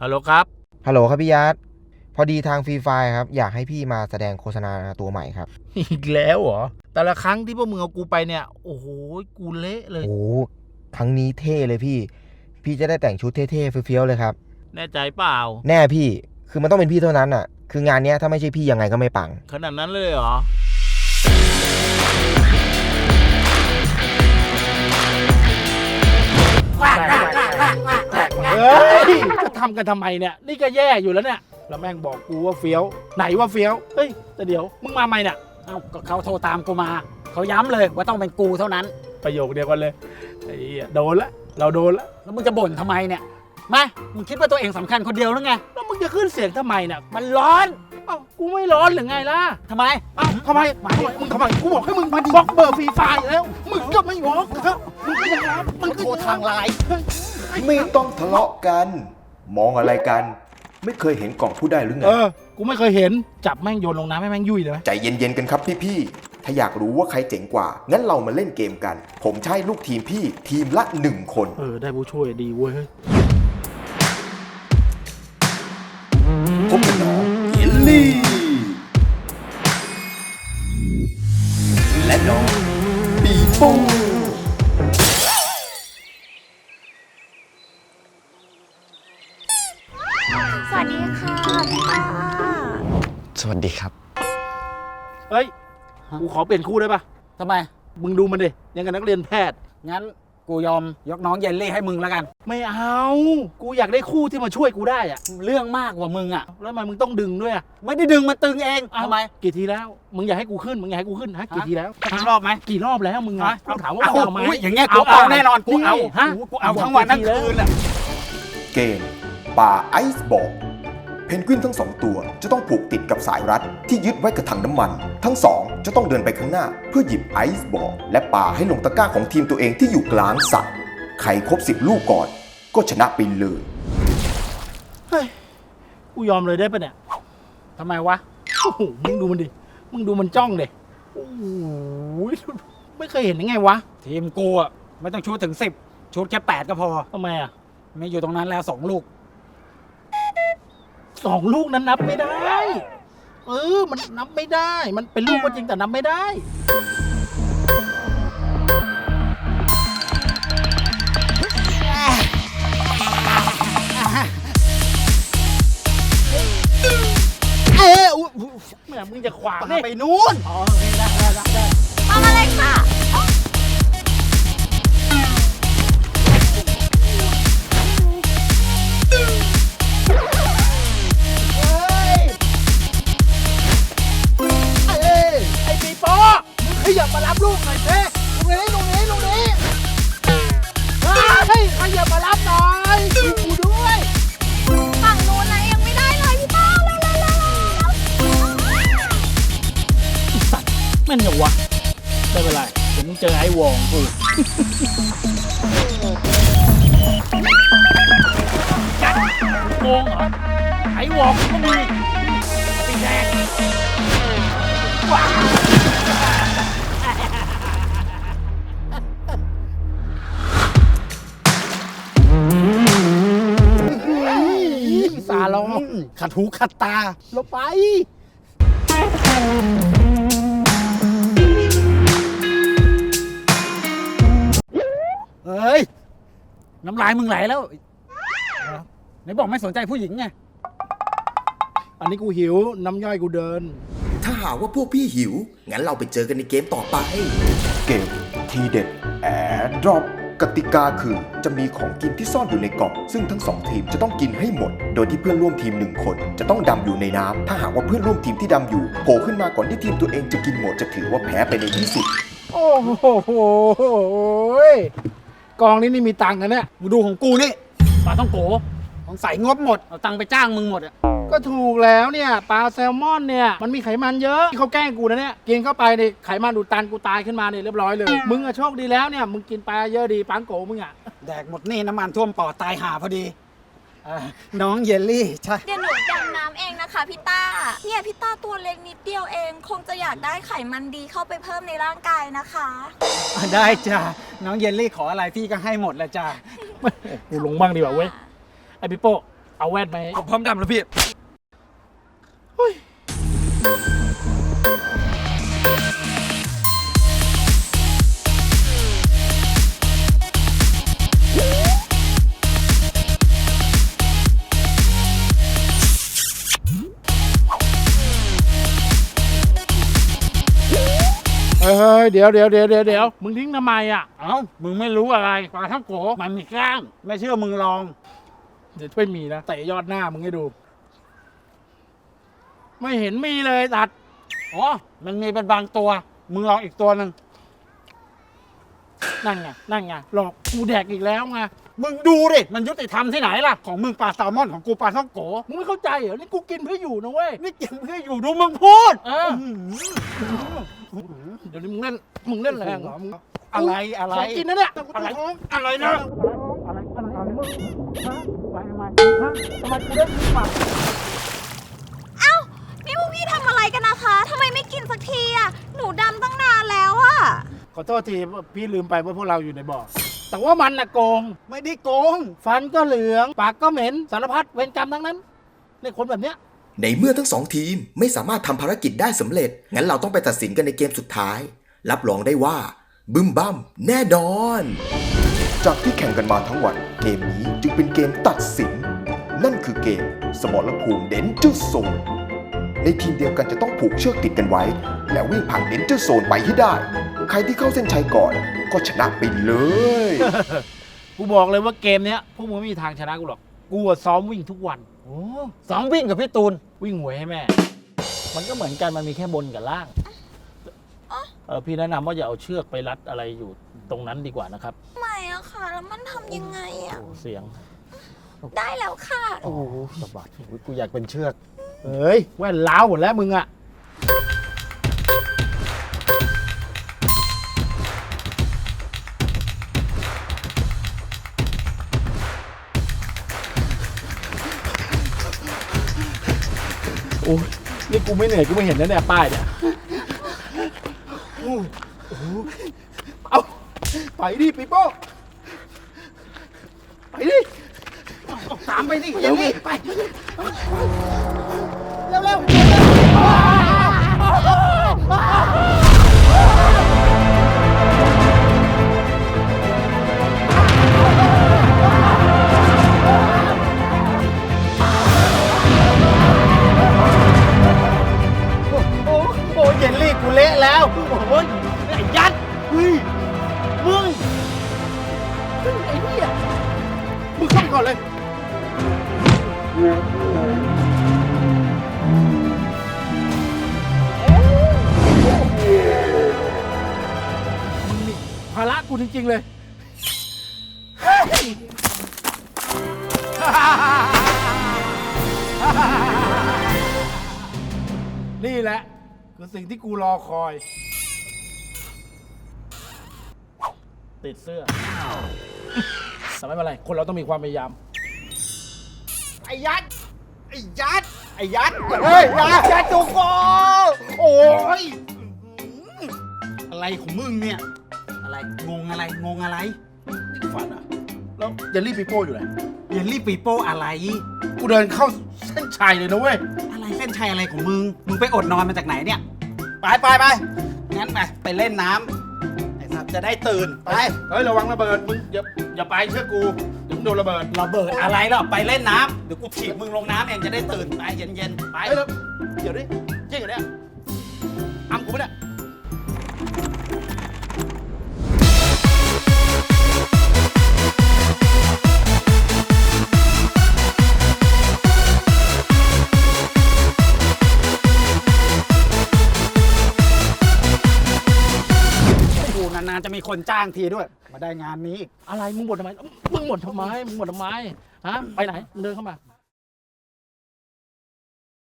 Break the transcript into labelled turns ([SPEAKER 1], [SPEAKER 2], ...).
[SPEAKER 1] ฮัลโหลครับ
[SPEAKER 2] ฮัลโหลครับพี่ยัดพอดีทางฟรีไฟครับอยากให้พี่มาแสดงโฆษณาตัวใหม่ครับ
[SPEAKER 1] อีกแล้วเหรอแต่ละครั้งที่พวกมึงเอากูไปเนี่ยโอ้โหกูเละเลย
[SPEAKER 2] โอ้ครั้งนี้เท่เลยพี่จะได้แต่งชุดเท่ๆเฟี้ยวๆเลยครับ
[SPEAKER 1] แน่ใจเปล่า
[SPEAKER 2] แน่พี่คือมันต้องเป็นพี่เท่านั้นอ่ะคืองานเนี้ยถ้าไม่ใช่พี่ยังไงก็ไม่ปัง
[SPEAKER 1] ขนาดนั้นเลยเหรอเฮ้ยจะทำกันทำไมเนี่ยนี่ก็แย่อยู่แล้วเนี่ยแล้วแม่งบอกกูว่าเฟี้ยวไหนว่าเฟี้ยวเฮ้ยแต่เดี๋ยวมึงมาใหม่เนี่ย
[SPEAKER 3] เอ้าก็เขาโทรตามกูมาเขาย้ำเลยว่าต้องเป็นกูเท่านั้น
[SPEAKER 1] ประโยคเดียวกันเลยไอ้เหี้ยโดนละเราโดนละ
[SPEAKER 3] แล้วมึงจะบ่นทำไมเนี่ยมามึงคิดว่าตัวเองสำคัญคนเดียวหรือไง
[SPEAKER 1] แล้วมึงจะขึ้นเสียงทำไมเนี่ย
[SPEAKER 3] มันร้อน
[SPEAKER 1] เอ้ากูไม่ร้อนหรือไงล่ะ
[SPEAKER 3] ทำไม
[SPEAKER 1] เอ้าทำไมมึงทำไมกูบอกให้มึงมาบล็อกเบอร์ฟรีไฟล์แล้วมึงก็ไม่บล็อกครับมึงก็ยังรับมึงโทรทางไลน์
[SPEAKER 4] ไม่ต้องทะเลาะกัน มองอะไรกัน ไม่เคยเห็นกล่องผู้ได้หรือไง
[SPEAKER 1] กูไม่เคยเห็นจับแม่งโยนลงน้ำให้แม่งยุ่ยเลยไหม
[SPEAKER 4] ใจเย็นๆกันครับพี่ๆถ้าอยากรู้ว่าใครเจ๋งกว่า งั้นเรามาเล่นเกมกัน ผมจะให้ลูกทีมพี่ทีมละ 1 คน
[SPEAKER 1] ได้ผู้ช่วยดีเว้ย
[SPEAKER 4] พบกับน้องเยลลี่ และน้องปีโป้
[SPEAKER 5] สวัสดีค่ะพี่ป้า
[SPEAKER 6] สวัสดีครับ
[SPEAKER 1] เฮ้ยกูขอเปลี่ยนคู่ได้ปะ
[SPEAKER 3] ทำไม
[SPEAKER 1] มึงดูมันดิยังกับนักเรียนแพทย์
[SPEAKER 3] งั้นกูยอมยกน้องเยลลี่ให้มึงแล้วกัน
[SPEAKER 1] ไม่เอากูอยากได้คู่ที่มาช่วยกูได้อะ
[SPEAKER 3] เรื่องมากกว่ามึงอ่ะ
[SPEAKER 1] แล้วทำไมมึงต้องดึงด้วยอะ
[SPEAKER 3] ไม่ได้ดึงมันตึงเอง
[SPEAKER 1] เอ้า
[SPEAKER 3] ทำไม
[SPEAKER 1] กี่ทีแล้วมึงอยากให้กูขึ้นมึงอยากให้กูขึ้นฮะกี่ทีแล้ว
[SPEAKER 3] ทั้งรอบไหม
[SPEAKER 1] กี่รอบแล้วมึงอะกูถามว่ามึงเอาไหม
[SPEAKER 3] ยอย่างเงี้ยกูเอาแน่นอนกูเอา
[SPEAKER 1] ฮะ
[SPEAKER 3] กูเอาทั้งวันทั้งคืนอ่ะ
[SPEAKER 4] เกมป่าไอซ์บอลเพนกวินทั้ง 2 ตัวจะต้องผูกติดกับสายรัดที่ยึดไว้กับถังน้ำมัน ทั้ง 2 จะต้องเดินไปข้างหน้าเพื่อหยิบไอซ์บอลและปาให้ลงตะกร้าของทีมตัวเองที่อยู่กลางสระใครครบ10 ลูกก่อน ก็ชนะไปเลย
[SPEAKER 1] เฮ้ยกูยอมเลยได้ปะเนี่ย
[SPEAKER 3] ทำไมวะ
[SPEAKER 1] โอ้โหมึงดูมันดิมึงดูมันจ้องดิโอ้โหไม่เคยเห็นยังไงวะ
[SPEAKER 3] ทีมกูอ่ะไม่ต้องชูดถึง10ชูดแค่8ก็พอ
[SPEAKER 1] ทำไมอะ
[SPEAKER 3] ไม่อยู่ตรงนั้นแล้ว2 ลูก
[SPEAKER 1] 2 ลูกนั้นนับไม่ได้ มันนับไม่ได้ มันเป็นลูกก็จริงแต่นับไม่ได้ แม่มึงจะขวางนี่
[SPEAKER 3] ไปนู้น
[SPEAKER 1] อ๋อโอเคได้
[SPEAKER 5] มามาเลยค่ะ
[SPEAKER 1] ไอ้ปีโป้มึงขยับมารับลูกหน่อยเพ่ลงนี้เฮ้ยขยับมารับหน่อยกูด้วย
[SPEAKER 5] ฝั่งนู้นนะยังไม่ได้เลยพี่ป้าเร็ว
[SPEAKER 1] แม่นเหรอวะไม่เป็นไรเดี๋ยวมึงเจอไอ้วองกูวงเหรอไอ้วองก็มีไอ้แดงว้าวสาลอง
[SPEAKER 3] ขัดหูขัดตา
[SPEAKER 1] ลงไป
[SPEAKER 3] เฮ้ย น้ำลายมึงไหลแล้วไหนบอกไม่สนใจผู้หญิงไง
[SPEAKER 1] อันนี้กูหิวน้ำย่อยกูเดิน
[SPEAKER 4] ถ้าหากว่าพวกพี่หิว งั้นเราไปเจอกันในเกมต่อไป เกมทีเด็ดแอร์ดรอปกติกาคือจะมีของกินที่ซ่อนอยู่ในกล่อง ซึ่งทั้ง 2 ทีมจะต้องกินให้หมด โดยที่เพื่อนร่วมทีม 1 คนจะต้องดำอยู่ในน้ำถ้าหากว่าเพื่อนร่วมทีมที่ดำอยู่โผล่ขึ้นมาก่อนที่ทีมตัวเองจะกินหมดจะถือว่าแพ้ไปในที่สุด
[SPEAKER 1] โอ้โหกองนี้นี่มีตังค์กันเนี่ย
[SPEAKER 3] มึงดูของกูนี่ปลาต้องโกของใส่งบหมด เอาตังค์ไปจ้างมึงหมดอ่ะ
[SPEAKER 1] ก็ถูกแล้วเนี่ยปลาแซลมอนเนี่ยมันมีไขมันเยอะที่เขาแกล้งกูนะเนี่ยกินเข้าไปเนี่ยไขมันอุดตันกูตายขึ้นมาเนี่ยเรียบร้อยเลยมึงอะโชคดีแล้วเนี่ยมึงกินปลาเยอะดีปังโกมึงอะ
[SPEAKER 3] แดกหมดนี่น้ำมันท่วมปอดตายห่าพอดีน้องเยลลี่ใช่
[SPEAKER 5] ๆเดี๋ยวหนูดำน้ำเองนะคะพี่ต้า เนี่ยพี่ต้าตัวเล็กนิดเดียวเอง คงจะอยากได้ไขมันดีเข้าไปเพิ่มในร่างกายนะคะ
[SPEAKER 3] ได้จ้าน้องเยลลี่ขออะไรพี่ก็ให้หมดแหละจ้า
[SPEAKER 1] กูลงบ้างดีกว่าเว้ยไอพี่โป้เอาแว่นไหม
[SPEAKER 6] ผมพร้อมดำแล้วพี่
[SPEAKER 1] เฮ้ยเดี๋ยวมึงทิ้งทำไมอ่ะ
[SPEAKER 3] เอ้า มึงไม่รู้อะไรปลาท่องโกมันมีกล้าง ไม่เชื่อมึงลอง
[SPEAKER 1] เดี๋ยวไม่มีนะเตะยอดหน้ามึงให้ดู ไม่เห็นมีเลยตัด
[SPEAKER 3] อ๋อ มันมีเป็นบางตัว มึงลองอีกตัวหนึ่ง
[SPEAKER 1] นั่นไงหลอกกูแดกอีกแล้วไง
[SPEAKER 3] มึงดูดิ มันยุติธรรมที่ไหนล่ะ ของมึงปลาแซลมอนของกูปลาท่องโก
[SPEAKER 1] มึงไม่เข้าใจเหรอนี่กูกินเพื่ออยู่นะเว้ย
[SPEAKER 3] นี่กินเพื่ออยู่ดูมึงพูด
[SPEAKER 1] เออเดี๋ยวนี้มึงเล่นแรงเหรอมึง
[SPEAKER 3] อะไร
[SPEAKER 1] ของกินนะเนี่ย
[SPEAKER 3] อะไรอะไรนะ
[SPEAKER 1] อะไรมึงฮะไปทำไมฮะทำไมกูได้กินหมาก
[SPEAKER 5] เอ้า นี่พวกพี่ทำอะไรกันนะคะทำไมไม่กินสักทีอ่ะ หนูดำตั้งนานแล้วอ่ะ
[SPEAKER 1] ขอโทษทีพี่ลืมไปว่าพวกเราอยู่ในบ่อแต่ว่ามันน่ะโกง
[SPEAKER 3] ไม่ได้โกง
[SPEAKER 1] ฟันก็เหลืองปากก็เหม็นสารพัดเวรกรรมทั้งนั้นในคนแบบเนี้ย
[SPEAKER 4] ในเมื่อทั้งสองทีมไม่สามารถทำภารกิจได้สำเร็จ งั้นเราต้องไปตัดสินกันในเกมสุดท้าย รับรองได้ว่า บึ้มบั้มแน่นอน จากที่แข่งกันมาทั้งวัน เกมนี้จึงเป็นเกมตัดสิน นั่นคือเกมสมรภูมิเดนเจอร์โซน ในทีมเดียวกันจะต้องผูกเชือกติดกันไว้ แล้ววิ่งผ่านเดนเจอร์โซนไปให้ได้ ใครที่เข้าเส้นชัยก่อนก็ชนะไปเลย
[SPEAKER 1] กูบอกเลยว่าเกมเนี้ยพวกมึงไม่มีทางชนะกูหรอกกูอะซ้อมวิ่งทุกวัน
[SPEAKER 3] โอ้ซ้อมวิ่งกับพี่ตูน
[SPEAKER 1] วิ่งหวยให้แม่ มันก็เหมือนกันมันมีแค่บนกับล่างพี่แนะนำว่าอย่าเอาเชือกไปรัดอะไรอยู่ตรงนั้นดีกว่านะครับ
[SPEAKER 5] ไม่อะค่ะ แล้วมันทำยังไงอะ
[SPEAKER 1] โอ้เสียง
[SPEAKER 5] ได้แล้วค่ะ
[SPEAKER 1] โอ้โหสะบัด
[SPEAKER 3] กูอยากเป็นเชือก
[SPEAKER 1] เฮ้ยแว่นล้าวหมดแล้วมึงอะโอ้ยนี่กูไม่เหนื่อยกูไม่เห็นนะเนี่ยป้ายเนี่ยโอ้โหเอาไปดิปีโป้ไปดิตามไปดิเร็วไปเร็วเร็วโอ้ยเยลลี่กูเละแล้วโอ้ยไอ้ยัดเฮ้ยมึงไอ้เหี้ยมึงเข้าไปก่อนเลยมึงนี่ภาระกูจริงๆเลยเฮ้ยนี่แหละคือสิ่งที่กูรอคอย ติดเสื้อแต่ไม่เป็นไร คนเราต้องมีความพยายาม
[SPEAKER 3] ไอ้ยัด ไอ้ยัด ไอ้ยัด เฮ้ยยัดจูโกโอ้ย อะไรของมึงเนี่ย อะไร งงอะไร งงอะไร
[SPEAKER 1] นี่กูฝันอ่ะ แล้วเยลลี่ปีโป้อยู่ไหน
[SPEAKER 3] เยลลี่ปีโป้อะไร
[SPEAKER 1] กูเดินเข้าเส้นชัยเลยนะเว้ย
[SPEAKER 3] อะไรเส้นชัยอะไรของมึง มึงไปอดนอนมาจากไหนเนี่ย ไปงั้นไปเล่นน้ำไอ้สัตว์จะได้ตื่น ไป
[SPEAKER 1] เฮ้ย ระวังระเบิด มึงอย่าไปเชื่อกูเดี๋ยวมึงโดนระเบิด
[SPEAKER 3] ระเบิดอะไรหรอไปเล่นน้ำเดี๋ยวกูถีบมึงลงน้ำเองจะได้ตื่น ไปเย็นๆ ไป
[SPEAKER 1] เฮ้ยแล้วเดี๋ยวดิจริงเหรอเนี่ยอ้ำกูไม่ได้
[SPEAKER 3] กูนานๆจะมีคนจ้างทีด้วย มาได้งานนี้อีก
[SPEAKER 1] อะไร มึงบ่นทำไม มึงบ่นทำไม ฮะ ไปไหนมึงเดินเข้ามา